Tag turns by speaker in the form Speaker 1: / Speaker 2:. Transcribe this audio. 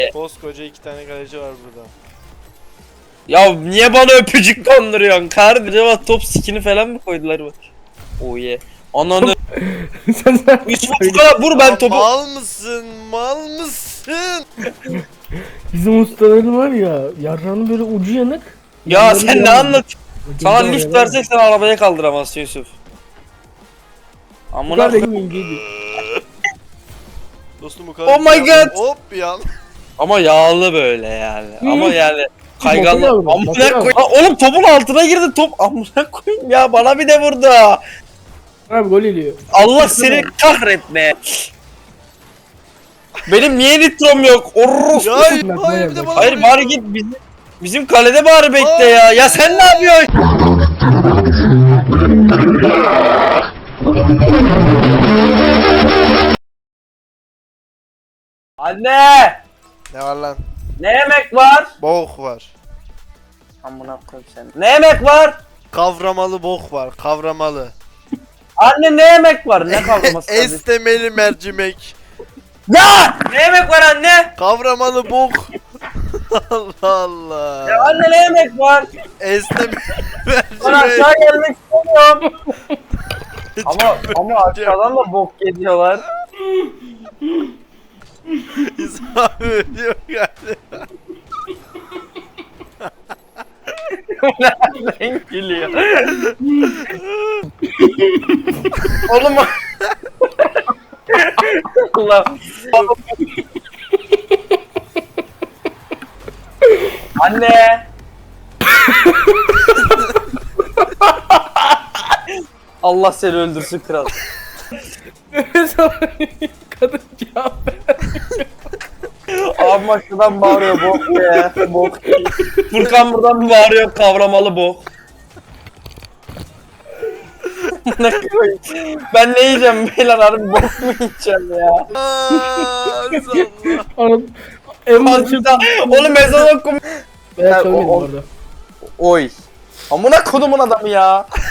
Speaker 1: Koskoca 2 tane kaleci var burada.
Speaker 2: Ya niye bana öpücük konduruyorsun kardeşim? Acaba top skin'i falan mı koydular bak? Oh yeah. Ananı.
Speaker 3: Sen
Speaker 2: Yusuf bu kadar vur ben
Speaker 1: Ya
Speaker 2: topu.
Speaker 1: mal mısın? Mal mısın?
Speaker 3: bizim ustaların var ya yarranın böyle ucu yanık.
Speaker 2: Ya
Speaker 3: yanları
Speaker 2: sen ne
Speaker 3: yanmıyor.
Speaker 2: anlat?
Speaker 3: Ucunda
Speaker 2: Sana
Speaker 3: oraya
Speaker 2: lift
Speaker 3: var.
Speaker 2: versek sen arabaya kaldıramazsın Yusuf.
Speaker 3: Bu
Speaker 2: Amına
Speaker 3: kadar
Speaker 2: koyayım.
Speaker 3: benim inceydi.
Speaker 1: Dostum bu kadar.
Speaker 2: Oh my god.
Speaker 1: Hop bir an.
Speaker 2: Ama yağlı böyle yani. Ama yani kayganlı.
Speaker 3: Motor aldım,
Speaker 2: Amına
Speaker 3: motor aldım.
Speaker 2: koyayım. Ha, oğlum topun altına girdi top. Amına koyayım ya bana bir de vurdu.
Speaker 3: Abi gol ediyor.
Speaker 2: Allah seni kahretme. Benim niye nitrom yok? Orruf.
Speaker 1: Ya
Speaker 3: Bak,
Speaker 1: hayır bir de
Speaker 3: bak.
Speaker 1: bana
Speaker 2: Hayır
Speaker 1: vuruyor.
Speaker 2: bari git bizim kalede bari bekle ya. Ya sen ne yapıyorsun? Anne!
Speaker 1: Ne var lan?
Speaker 2: Ne yemek var?
Speaker 1: Bok var.
Speaker 2: Amına koyayım seni. Ne yemek var?
Speaker 1: Kavramalı bok var. Kavramalı.
Speaker 2: Anne ne yemek var? Ne kavraması kardeşim?
Speaker 1: Estemeli mercimek.
Speaker 2: Ya! Ne yemek var anne?
Speaker 1: Kavramalı bok. Allah Allah.
Speaker 2: Ya anne ne yemek var?
Speaker 1: Estemeli
Speaker 2: Ben
Speaker 1: mercimek.
Speaker 2: aşağı gelmek istemiyorum. ama aşağıdan da bok geliyorlar.
Speaker 1: İsmail ölüyor galiba.
Speaker 2: Nereden gülüyor? Oğlum Allah. Anne. Allah seni öldürsün kral.
Speaker 3: Kadın cevap ver.
Speaker 2: Abi şuradan bağırıyor bok ya. Bok. Furkan buradan bağırıyor kavramalı bok. Ne koyayım? Ben ne yiyeceğim beyler harbi bok mu yiyeceğim ya?
Speaker 1: Aaa Allah.
Speaker 3: Anam. En başı.
Speaker 2: Azıcık oğlum ezan okum.
Speaker 3: Ben söylemedim
Speaker 2: o-
Speaker 3: orada.
Speaker 2: Oy. Amına kodumun adamı ya.